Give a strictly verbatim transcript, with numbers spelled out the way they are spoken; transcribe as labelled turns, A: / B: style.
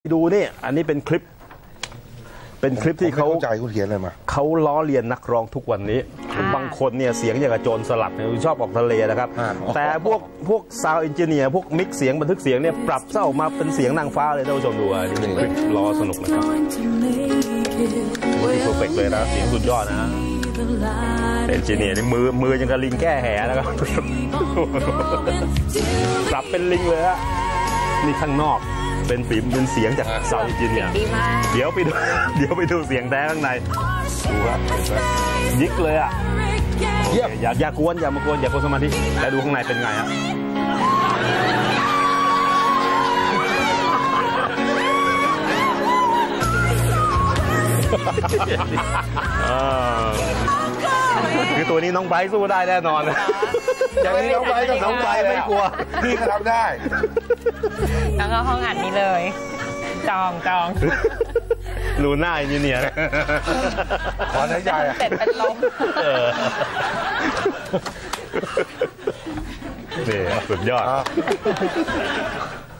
A: ดูนี่อันนี้เป็นคลิปเป็นคลิปที่เขา
B: ใจคุณเขียนอะไรมา
A: เขาล้อเลียนนักร้องทุกวันนี้บางคนเนี่ยเสียงอย่างกับโจรสลัดเนี่ยชอบออกทะเลนะครับแต่พวกพวกซาวด์เอนจิเนียร์พวกมิกเสียงบันทึกเสียงเนี่ยปรับเส้ามาเป็นเสียงนางฟ้าเลยท่านผู้ชมดูอันนี้เป็นคลิปล้อสนุกนะครับที่เพอร์เฟกต์เลยนะเสียงสุดยอดนะเอนจิเนียร์นี่มือมือยังกับลิงแก้แหนะครับปรับเป็นลิงเลยอะนี่ข้างนอกเป็นฝีมเป็นเสียงจากซาวด์เอนจิเนียร์เดี๋ยวไปดูเดี๋ยวไปดูเสียงแท้ข้างในดูครับยิกเลยอ่ะอย่าอย่ากวนอย่ามากวนอย่ากวนสมาธิแล้วดูข้างในเป็นไงฮะคือตัวนี้น้องไบร์ทสู้ได้แน่นอนอย่างนี้น้องไบร์ทกับน้องไบร์ทไม่กลัว
B: พี่ก็ทำได้
C: แล้วก็ห้องอัดนี้เลยจองจอง
A: รูหน้าอินเนียร์
B: ขอหน้าใหญ่
C: เสร็จเป็นลม
A: นี่สุดยอด